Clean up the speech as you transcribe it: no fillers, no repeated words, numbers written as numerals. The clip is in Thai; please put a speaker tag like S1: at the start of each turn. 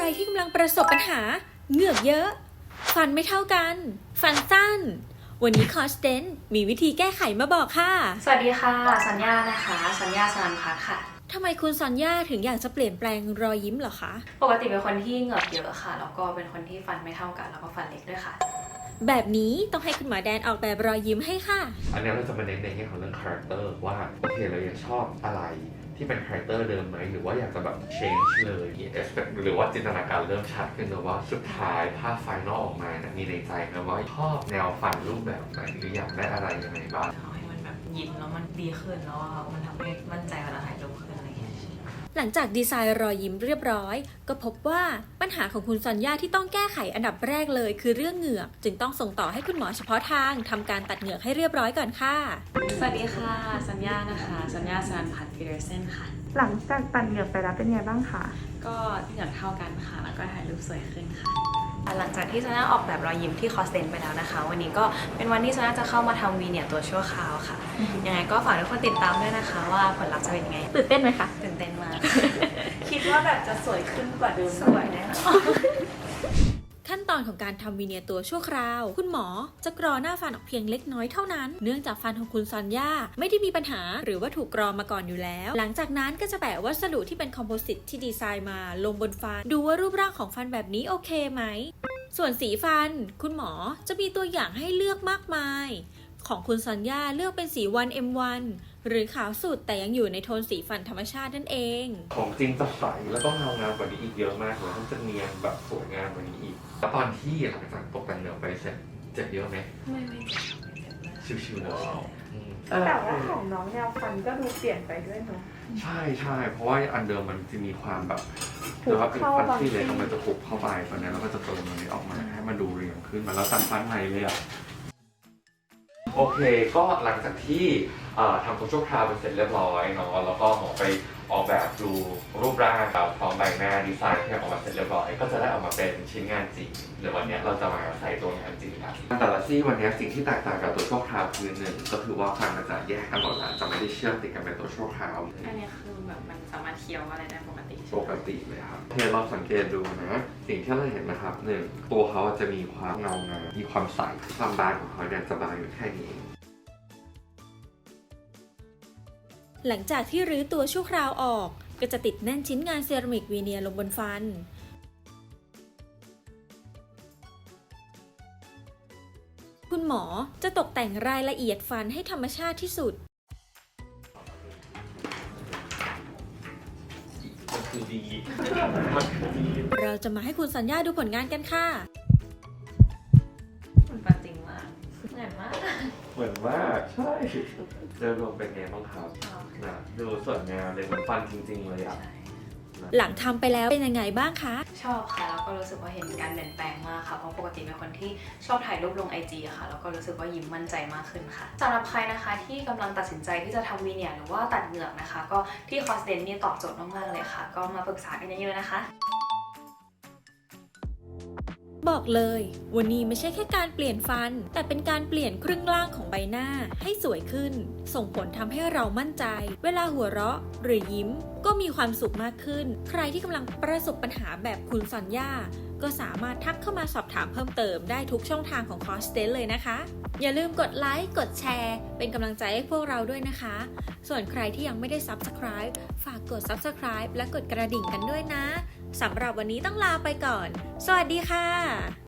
S1: ที่กำลังประสบปัญหาเหงือกเยอะ ฟันไม่เท่ากัน ฟันสั้น วันนี้คอสเดนมีวิธีแก้ไขมาบอกค่ะ
S2: สวัสดีค่ะสัญญานะคะสัญญาสนันพัฒน์ค่ะ
S1: ทำไมคุณซอนย่าถึงอยากจะเปลี่ยนแปลงรอยยิ้มเหรอคะ
S2: ปกติเป็นคนที่เหงือกเยอะค่ะแล้วก็เป็นคนที่ฟันไม่เท่ากันแล้วก็ฟันเล็กด้วยค่ะ
S1: แบบนี้ต้องให้คุณหมอแดนออกแบบรอยยิ้มให้ค่ะ
S3: อันนี้เราจะมาเน้นในแง่ของเรื่องคาแรคเตอร์ว่าโอเคเรายังชอบอะไรที่เป็นคาแรคเตอร์เดิมไหมหรือว่าอยากจะแบบ change เลยหรือว่าจินตนาการเริ่มชัดขึ้นนะว่าสุดท้ายภาพไฟนอลออกมานะมีในใจนะว่าชอบแนวฟันรูปแบบไหนหรืออยากได้อะไรยังไงบ้าง
S2: ทำให้มันแบบยิ้มแล้วมันดีขึ้นแล้วมันทำให้มั่นใจเวลาถ่ายรูปขึ้นอะไรอย่างเงี้ย
S1: หลังจากดีไซน์รอยยิ้มเรียบร้อยก็พบว่าปัญหาของคุณซอนย่าที่ต้องแก้ไขอันดับแรกเลยคือเรื่องเหงือกจึงต้องส่งต่อให้คุณหมอเฉพาะทางทำการตัดเหงือกให้เรียบร้อยก่อนค่ะ
S2: สวัสดีค่ะสัญญานะคะสัญญาสนันพัฒน์พีเดอร์เซนค่ะ
S4: หลังจากตัดเหงือกไปแล้วเป็นไงบ้างคะ
S2: ก็เหงือกเท่ากันค่ะแล้วก็ถ่ายรูปสวยขึ้นค่ะหลังจากที่สัญญาออกแบบรอยยิ้มที่คอสเตนไปแล้วนะคะวันนี้ก็เป็นวันที่สัญญาจะเข้ามาทำวีเนียร์ตัวชั่วคราวค่ะยังไงก็ฝากทุกคนติดตามด้วยนะคะว่าผลลัพธ์จะเป็นยังไง
S4: ตื่นเต้นไหมคะ
S2: ตื่นเต้นมาก
S4: คิดว่าแบบจะสวยขึ้นกว่าเดิม
S2: สวยแน่นอน
S1: ขั้นตอนของการทำวีเนียร์ตัวชั่วคราว คุณหมอจะกรอหน้าฟันออกเพียงเล็กน้อยเท่านั้น เนื่องจากฟันของคุณซอนย่าไม่ได้มีปัญหาหรือว่าถูกกรอมาก่อนอยู่แล้ว หลังจากนั้นก็จะแปะวัสดุที่เป็นคอมโพสิตที่ดีไซน์มาลงบนฟัน ดูว่ารูปร่างของฟันแบบนี้โอเคไหม ส่วนสีฟัน คุณหมอจะมีตัวอย่างให้เลือกมากมาย ของคุณซอนย่าเลือกเป็นสี 1M1 หรือขาวสุดแต่ยังอยู่ในโทนสีฟันธรรมชาตินั่นเอง
S3: ของจริงจะใสแล้วก็เงางามกว่านี้อีกเยอะมากเลยมันจะเนียนแบบสวยงามกว่านี้อีกแล้วตอนที่หลังจากตกแต่งเหนือไปเสร็จเจ็บเยอะไหม
S2: ไม่เจ็บไม่เจ็บเลย
S3: ชิวๆเลยอืม
S4: แต่ว่าของน้องแนวฟันก็ดูเปลี่ยนไปด้วยเนาะ
S3: ใช่ใช่เพราะว่าอันเดิมมันจะมีความแบบ
S4: หุบ
S3: แล้วก็เป็น
S4: เข้า
S3: ฟัน
S4: บาง
S3: ที่เล็ก
S4: ที่
S3: มันจะหุบเข้าไปตอนนี้เราก็จะเติมตรงนี้ออกมาให้มันดูเรียงขึ้นมาแล้วตัดฟันใหม่เลยอ่ะโอเคก็หลังจากที่ทำตัวชั่วคราวเป็นเสร็จเรียบร้อยเนาะแล้วก็หมอไปออกแบบดูรูปร่างกับพร้อมใบหน้าดีไซน์ที่ออกมาเสร็จเรียบร้อยก็จะได้ออกมาเป็นชิ้นงานจริงเดี๋ยววันนี้เราจะมาใส่ตัวงานจริงกันแต่ละซี่วันนี้สิ่งที่แตกต่างกับตัวชั่วคราวคือหนึ่งก็คือว่าฟันมันจะแยกกันหมดแล้วจะไม่ได้เชื่อมติดกันเป็นตัวชั่วคราว
S2: อันนี้คือแบบมันสามารถเคี้ยวอะไรได้ปกติใช่
S3: ป
S2: ไหม
S3: กติเลยครับเทเราสังเกตดูนะ สิ่งที่เราเห็นนะครับหนึ่งตัวเขาจะมีความเงางามมีความใสความบางของเขาเนี่ยจะบางอยู่แค่นี้เอง
S1: หลังจากที่รื้อตัวชั่วคราวออกก็จะติดแน่นชิ้นงานเซรามิกวีเนียร์ลงบนฟัน คุณหมอจะตกแต่งรายละเอียดฟันให้ธรรมชาติที่สุด
S3: มันคือดีมันคือดี
S1: เราจะมาให้คุณสัญญาดูผลงานกันค่ะ
S2: มันปันจริงมากเหมือนมาก
S3: เหมือนมากใช่โดยรวมเป็นไงบ้างครับนะดูสวยงามเลยเหมือนฟันจริงๆเลยอ่ะ
S1: หลังทำไปแล้วเป็นยังไงบ้างคะ
S2: ชอบค่ะแล้วก็รู้สึกว่าเห็นการเปลี่ยนแปลงมากค่ะเพราะปกติเป็นคนที่ชอบถ่ายรูปลง IG ค่ะแล้วก็รู้สึกว่ายิ้มมั่นใจมากขึ้นค่ะสำหรับใครนะคะที่กำลังตัดสินใจที่จะทำวีเนียร์หรือว่าตัดเหงือกนะคะ ก็ที่คอสเดนนี่ตอบโจทย์มากๆเลยค่ะ ก็มาปรึกษากันเยอะๆนะคะ
S1: บอกเลยวันนี้ไม่ใช่แค่การเปลี่ยนฟัน แต่เป็นการเปลี่ยนครึ่งล่างของใบหน้าให้สวยขึ้น ส่งผลทำให้เรามั่นใจ เวลาหัวเราะหรือยิ้มก็มีความสุขมากขึ้น ใครที่กำลังประสบปัญหาแบบคุณซอนย่าก็สามารถทักเข้ามาสอบถามเพิ่มเติมได้ทุกช่องทางของคอสเตนเลยนะคะ อย่าลืมกดไลค์กดแชร์เป็นกำลังใจให้พวกเราด้วยนะคะ ส่วนใครที่ยังไม่ได้ Subscribe ฝากกด Subscribe และกดกระดิ่งกันด้วยนะสำหรับวันนี้ต้องลาไปก่อน สวัสดีค่ะ